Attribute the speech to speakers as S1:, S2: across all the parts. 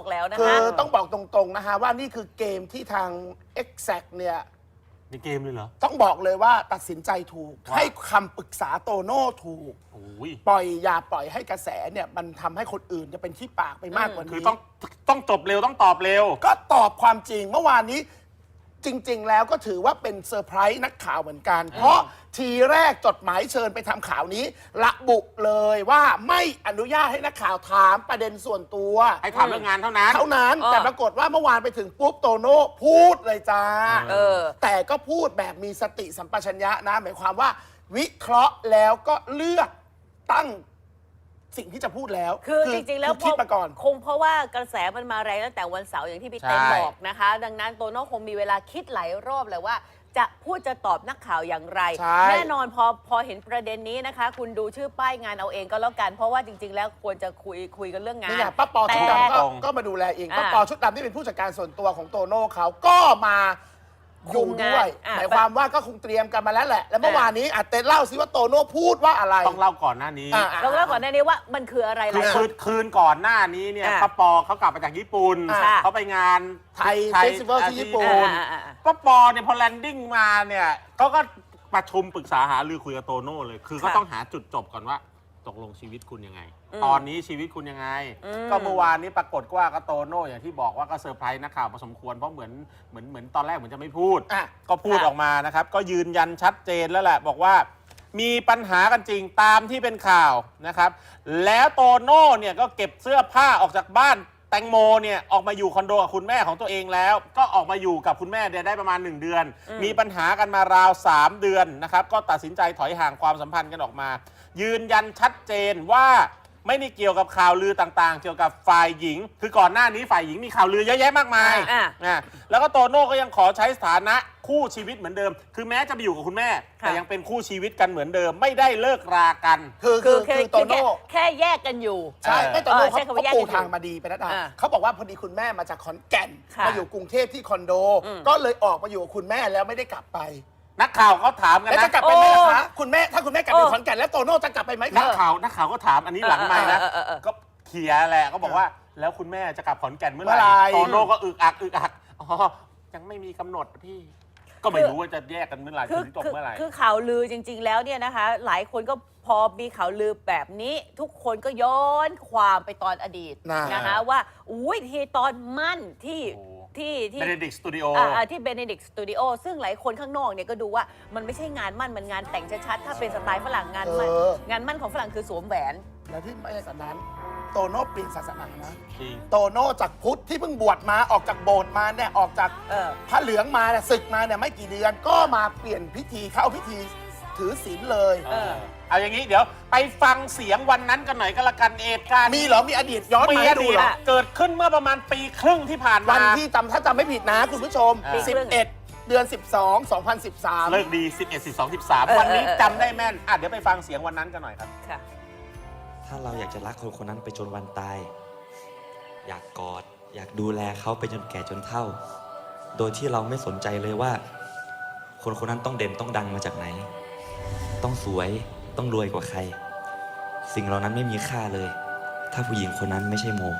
S1: กแล้วนะ
S2: คื
S1: คะ
S2: อต้องบอกตรงๆนะฮะว่านี่คือเกมที่ทาง Exact เนี่ย
S3: ในเกมเลยเหรอ
S2: ต้องบอกเลยว่าตัดสินใจถูก
S3: ว่า
S2: ให้คำปรึกษาโตโน่ถูก
S3: โอ้ย
S2: อย่าปล่อยให้กระแสเนี่ยมันทำให้คนอื่นจะเป็นขี้ปากไปมากกว่า
S3: คือ
S2: นี้
S3: ต้องจบเร็วต้องตอบเร็ว
S2: ก็ตอบความจริงเมื่อวานนี้จริง ๆ แล้วก็ถือว่าเป็นเซอร์ไพรส์นักข่าวเหมือนกัน เพราะทีแรกจดหมายเชิญไปทำข่าวนี้ระบุเลยว่าไม่อนุญาตให้นักข่าวถามประเด็นส่วนตัว
S3: ให้ถามเรื่องงานเท่านั้น
S2: แต่ปรากฏว่าเมื่อวานไปถึงปุ๊บโตโน่พูดเลยจ้า
S1: เออ
S2: แต่ก็พูดแบบมีสติสัมปชัญญะนะหมายความว่า วิเคราะห์แล้วก็เลือกตั้งสิ่งที่จะพูดแล้ว
S1: คือจริงๆ แล้ว
S2: คิดมาก่อน
S1: คงเพราะว่ากระแสมันมาแรงตั้งแต่วันเสาร์อย่างที่พี่เต้น
S3: ใช่
S1: บอกนะคะ ดังนั้นโตโน่คงมีเวลาคิดหลายรอบเลยว่า จะพูดจะตอบนักข่าวอย่างไร
S2: ใช่
S1: แน่นอนพอเห็นประเด็นนี้นะคะ คุณดูชื่อป้ายงานเอาเองก็แล้วกัน เพราะว่าจริง ๆ แล้วควรจะคุยกันเรื่องงาน
S2: นี่ไงป้าปอชุด
S1: แต่
S2: ดำก็มาดูแลเอง
S1: อ่า
S2: ป้าปอชุดดำที่เป็นผู้จัดการส่วนตัวของโตโน่เขาก็มาอยู่ด้วย
S1: อ่า
S2: หมายความว่าก็คงเตรียมกันมาแล้วแหละ แล้วเมื่อวานนี้เต้นเล่าซิว่าโตโน่พูดว่าอะไร
S3: ต้องเล่าก่อนหน้านี้
S1: เราเล่าก่อนหน้านี้ว่ามันคืออะไร
S3: คือ
S1: ล่ะ
S3: คืนก่อนหน้านี้เนี่ย
S1: อ่ะ
S3: ป้าปอเขากลับมาจากญี่ปุ่น
S1: ค่ะ
S3: เขาไปงาน
S2: ไทยเฟสติวัลที่ญี่ปุ่น
S3: ป้าปอเนี่ยพอแลนดิ้งมาเนี่ยเขาก็ประชุมปรึกษาหารือคุยกับโตโน่เลย คือก็
S1: ค่ะ
S3: ต้องหาจุดจบก่อนว่าตกลงชีวิตคุณยังไง ตอนนี้ชีวิตคุณยังไง
S1: อืม
S3: ก็เมื่อวานนี้ปรากฏว่าก็โตโน่อย่างที่บอกว่าก็เซอร์ไพรส์นักข่าวพอสมควรเพราะเหมือนตอนแรกเหมือนจะไม่พูด
S2: อ่ะ
S3: ก็พูด
S1: ค่ะ
S3: ออกมานะครับ ก็ยืนยันชัดเจนแล้วแหละ บอกว่ามีปัญหากันจริงตามที่เป็นข่าวนะครับ แล้วโตโน่เนี่ยก็เก็บเสื้อผ้าออกจากบ้านแตงโมเนี่ยออกมาอยู่คอนโดกับคุณแม่ของตัวเองแล้ว ก็ออกมาอยู่กับคุณแม่เนี่ยได้ประมาณ 1 เดือน มีปัญหากันมาราว 3 เดือนนะครับ ก็ตัดสินใจถอยห่างความสัมพันธ์กันออกมา ยืนยันชัดเจนว่าไม่ได้เกี่ยวกับข่าวลือต่างๆ เกี่ยวกับฝ่ายหญิง คือก่อนหน้านี้ฝ่ายหญิงมีข่าวลือเยอะแยะมากมาย แล้วก็โตโน่ก็ยังขอใช้สถานะคู่ชีวิตเหมือนเดิม คือแม้จะไปอยู่กับคุณแม่
S1: ค่ะ
S3: แต่ยังเป็นคู่ชีวิตกันเหมือนเดิม ไม่ได้เลิกรากัน
S2: คือโตโน่
S1: แค่แยกกันอยู่
S2: ใช่ไม่โตโน่
S1: ใช้คำว่าแยก
S2: ปู
S1: กันอยู่
S2: ทางมาดีไปนะ
S1: อ่า
S2: เขาบอกว่าพอดีคุณแม่มาจากขอนแก่น
S1: ค่ะ
S2: มาอยู่กรุงเทพที่คอนโด
S1: อืม
S2: ก็เลยออกมาอยู่กับคุณแม่แล้วไม่ได้กลับไป
S3: นักข่าวเขาถามกัน
S2: แล้ว
S3: นะ
S2: จะกลับไปไหมล่ะ
S1: โอ้
S2: คะคุณแม่ถ้าคุณแม่กลับไปขอนแก่นแล้วโตโน่จะกลับไปไหม
S3: นั
S2: คะ
S3: กข่าวก็ถามอันนี้หลังไมค์นะ
S1: เออ
S3: ก็เถียแหละก็บอกว่าแล้วคุณแม่จะกลับขอนแก่นเมื่อไห
S2: เมื่อไหร่
S3: ร่โตโน่ก็อึกอักอ๋อยังไม่มีกำหนดพี่ ก็ไม่รู้ว่าจะแยกกันเมื่อไหร่ถึงจบเมื่อไหร่
S1: คือข่าวลือจริง ๆ แล้วเนี่ยนะคะ หลายคนก็พอมีข่าวลือแบบนี้ ทุกคนก็ย้อนความไปตอนอดีต
S2: น่ะ
S1: นะคะว่าอุ้ยที่ตอนมั่นที่
S3: โอ้
S1: ที่
S3: เบเนดิกสตูดิโอ
S1: ที่เบเนดิกสตูดิโอซึ่งหลายคนข้างนอกเนี่ยก็ดูว่ามันไม่ใช่งานมั่นมันงานแต่งชัดๆถ้าเป็นสไตล์ฝรั่งงานมั่นงานมั่นของฝรั่งคือสวมแหวน
S2: แล้วที่ไม่ใช่จากนั้น โตโน่เปลี่ยนศาสนานะ
S3: จริง
S2: โตโน่จากพุทธที่เพิ่งบวชมาออกจากโบสถ์มาเนี่ยออกจาก
S1: เออ
S2: พระเหลืองมาเนี่ยศึกมาเนี่ยไม่กี่เดือนก็มาเปลี่ยนพิธีเข้าพิธีถือศีลเลย
S3: เอาอย่างนี้เดี๋ยวไปฟังเสียงวันนั้นกันหน่อยก็แล้วกันเหตุการณ์
S2: มีเหรอมีอดีตย้อน
S3: มี
S2: มา
S3: อ
S2: ให้ดู
S3: ดีต
S2: เหรอ
S3: เกิดขึ้นเมื่อประมาณปีครึ่งที่ผ่าน
S2: วั
S3: มา
S2: นที่ถ้าจำไม่ผิดนะคุณผู้ชม
S3: อ่า
S2: 11 เดือน 12 2013
S3: เลิกดี 11 12 13 วันนี้จำได้แม่นเดี๋ยวไปฟังเสียงวันนั้นกันหน่อยครับ
S1: ค่ะ
S4: ถ้าเราอยากจะรักคนคนนั้นไปจนวันตาย อยากกอด อยากดูแลเขาไปจนแก่จนเฒ่า โดยที่เราไม่สนใจเลยว่า คนคนนั้นต้องเด่นต้องดังมาจากไหน ต้องสวยต้องรวยกว่าใคร สิ่งเหล่านั้นไม่มีค่าเลย ถ้าผู้หญิงคนนั้นไม่ใช่โม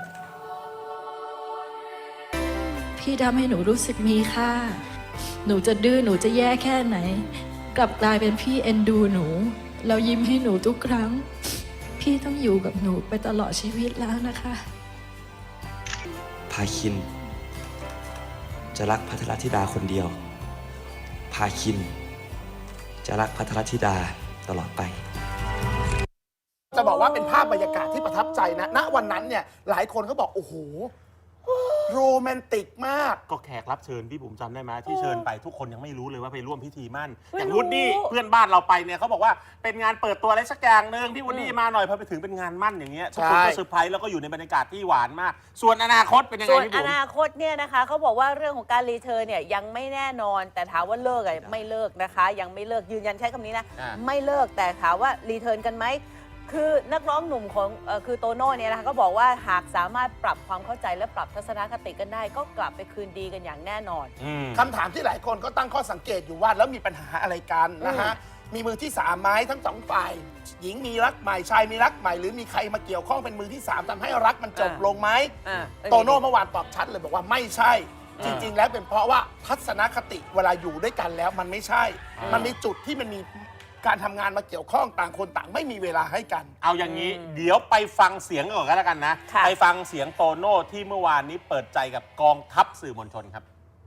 S5: พี่ทำให้หนูรู้สึกมีค่า หนูจะดื้อหนูจะแย่แค่ไหน กลับกลายเป็นพี่เอ็นดูหนูแล้วยิ้มให้หนูทุกครั้ง พี่ต้องอยู่กับหนูไปตลอดชีวิตแล้วนะคะ
S4: พาคิน จะรักพัทรธิดาคนเดียว พาคิน จะรักพัทรธิดาตลอดไป
S2: จะบอกว่าเป็นภาพบรรยากาศที่ประทับใจนะ ณ วันนั้นเนี่ยหลายคนก็บอก โอ้โห โรแมนติกมาก
S3: ก็แขกรับเชิญที่ผมจำได้ไหมที่เชิญไปทุกคนยังไม่รู้เลยว่าไปร่วมพิธีมั่น
S1: ไม่
S3: อย่าง
S1: รู้
S3: วูดดี้เพื่อนบ้านเราไปเนี่ยเขาบอกว่าเป็นงานเปิดตัวอะไรสักอย่างหนึ่งพี่วูดดี้มาหน่อยพอไปถึงเป็นงานมั่นอย่างเงี้ยทุกคนก็
S2: ใช่
S3: เซอร์ไพรส์แล้วก็อยู่ในบรรยากาศที่หวานมาก ส่วนอนาคตเป็นยังไง
S1: ส่วน
S3: พี่
S1: อ
S3: บุ๋ม
S1: นาคตเนี่ยนะคะเขาบอกว่าเรื่องของการรีเทิร์นเนี่ยยังไม่แน่นอน แต่ถามว่าเลิกอะไม่เลิกนะคะ ยังไม่เลิกยืนยันใช้คำนี้นะ ไม่เลิกแต่ถามว่ารีเทิร์นกันไหมคือนักร้องหนุ่มของคือโตโน่เนี่ยนะคะก็บอกว่าหากสามารถปรับความเข้าใจและปรับทัศนคติกันได้ ก็กลับไปคืนดีกันอย่างแน่นอน
S2: คำถามที่หลายคนก็ตั้งข้อสังเกตอยู่ว่าแล้วมีปัญหาอะไรกันนะฮะมีมือที่3ไหมทั้ง2ฝ่าย หญิงมีรักใหม่ชายมีรักใหม่หรือมีใครมาเกี่ยวข้องเป็นมือที่3ทำให้รักมันจบลงไหม โตโน่เมื่อวานตอบชัดเลยบอกว่าไม่ใช่ จริง ๆ แล้วเป็นเพราะว่าทัศนคติเวลาอยู่ด้วยกันแล้วมันไม่ใช่ มันมีจุดที่มันมีการทำงานมาเกี่ยวข้องต่างคนต่างไม่มีเวลาให้กัน
S3: เอาอย่างนี้เดี๋ยวไปฟังเสียงก่อนก็แล้วกันนะ
S1: ค่ะ
S3: ไปฟังเสียงโตโน่ที่เมื่อวานนี้เปิดใจกับกองทัพสื่อมวลชนครับ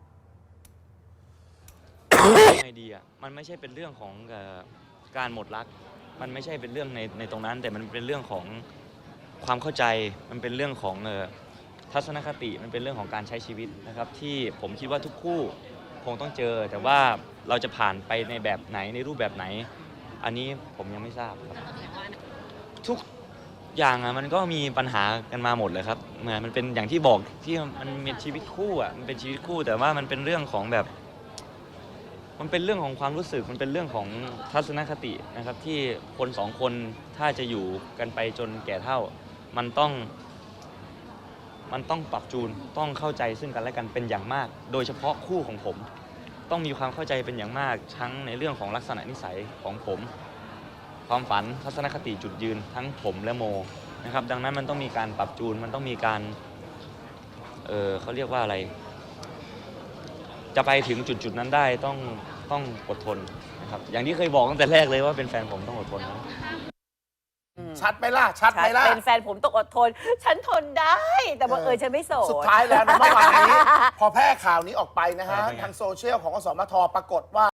S4: ไงดีอ่ะมันไม่ใช่เป็นเรื่องของการหมดรัก มันไม่ใช่เป็นเรื่องในตรงนั้น แต่มันเป็นเรื่องของความเข้าใจ มันเป็นเรื่องของทัศนคติ มันเป็นเรื่องของการใช้ชีวิตนะครับ ที่ผมคิดว่าทุกคู่คงต้องเจอ แต่ว่าเราจะผ่านไปในแบบไหนในรูปแบบไหน อันนี้ผมยังไม่ทราบครับทุกอย่างอ่ะมันก็มีปัญหากันมาหมดเลยครับเหมือนมันเป็นอย่างที่บอกที่มันเป็นชีวิตคู่อ่ะมันเป็นชีวิตคู่ แต่ว่ามันเป็นเรื่องของแบบ มันเป็นเรื่องของความรู้สึก มันเป็นเรื่องของทัศนคตินะครับที่คนสองคนถ้าจะอยู่กันไปจนแก่เฒ่า มันต้องปรับจูน ต้องเข้าใจซึ่งกันและกันเป็นอย่างมาก โดยเฉพาะคู่ของผม ต้องมีความเข้าใจเป็นอย่างมาก ทั้งในเรื่องของลักษณะนิสัยของผม ความฝัน ทัศนคติจุดยืนทั้งผมและโมนะครับ ดังนั้นมันต้องมีการปรับจูน มันต้องมีการเขาเรียกว่าอะไร จะไปถึงจุดนั้นได้ต้องอดทนนะครับ อย่างที่เคยบอกตั้งแต่แรกเลยว่าเป็นแฟนผมต้องอดทนนะ
S2: ชัดไหมล่ะ ชัดไหมล่ะ
S1: เป็นแฟนผมต้องอดทน ฉันทนได้ แต่บังเอิญฉันไม่โสด
S2: สุดท้ายแล้วนะเมื่อวานนี้ พอแพร่ข่าวนี้ออกไปนะฮะ
S3: เป็นไง
S2: ทางโซเชียลของอสมทปรากฏว่า